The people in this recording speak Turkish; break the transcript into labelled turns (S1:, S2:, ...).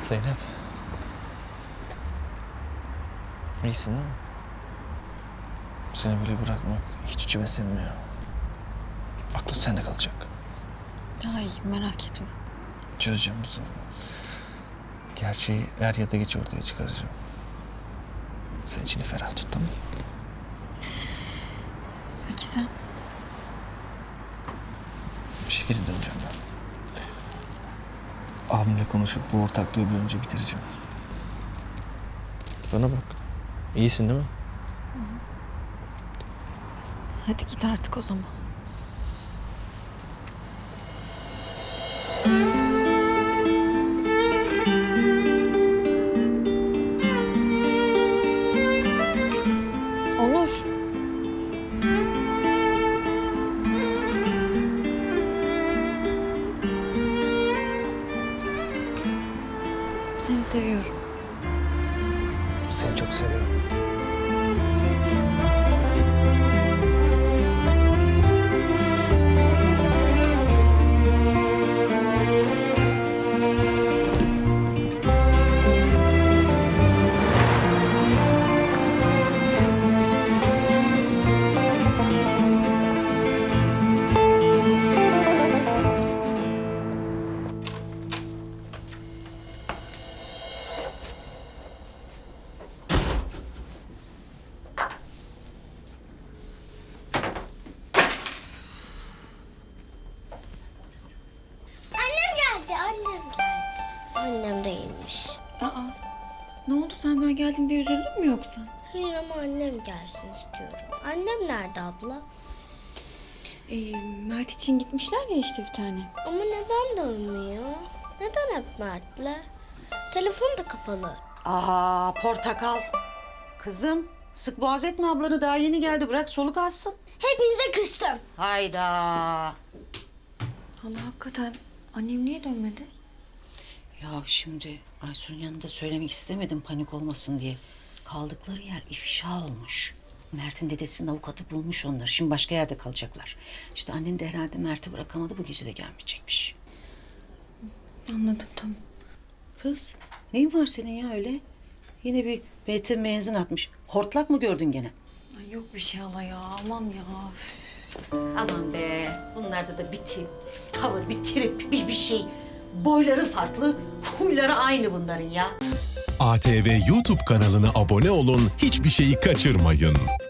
S1: Zeynep. İyisin değil mi? Seni böyle bırakmak hiç içime sinmiyor. Aklım sende kalacak.
S2: Daha iyi, merak etme.
S1: Çözeceğim bu sorunu. Gerçeği er ya da geç ortaya çıkaracağım. Sen içini ferah tut, tamam mı?
S2: Peki sen?
S1: Bir şekilde döneceğim ben. Abimle konuşup bu ortaklığı bir önce bitireceğim. Bana bak. İyisin değil mi?
S2: Hadi git artık o zaman. Onur. Seni seviyorum.
S1: Seni çok seviyorum.
S3: Annem değilmiş.
S2: Aa, ne oldu sen ben geldim diye üzüldün mü yoksa?
S3: Hayır ama annem gelsin istiyorum. Annem nerede abla?
S2: Mert için gitmişler ya işte bir tane.
S3: Ama neden dönmüyor? Neden hep Mert'le? Telefon da kapalı.
S4: Aa, portakal. Kızım, sık boğaz etme ablanı, daha yeni geldi, bırak soluk alsın.
S3: Hepinize küstüm.
S4: Hayda.
S2: Allah hakikaten annem niye dönmedi?
S4: Ya şimdi Aysun'un yanında söylemek istemedim panik olmasın diye. Kaldıkları yer ifşa olmuş. Mert'in dedesinin avukatı bulmuş onları. Şimdi başka yerde kalacaklar. İşte annen de herhalde Mert'i bırakamadı, bu gece de gelmeyecekmiş.
S2: Anladım, tamam.
S4: Kız, neyin var senin ya öyle? Yine bir benzin benzin atmış. Hortlak mı gördün gene?
S2: Ay yok bir şey hala ya, aman ya.
S4: Aman be, bunlarda da bir tip, tavır, bir trip, bir şey. Boyları farklı, huyları aynı bunların ya.
S5: ATV YouTube kanalına abone olun, hiçbir şeyi kaçırmayın.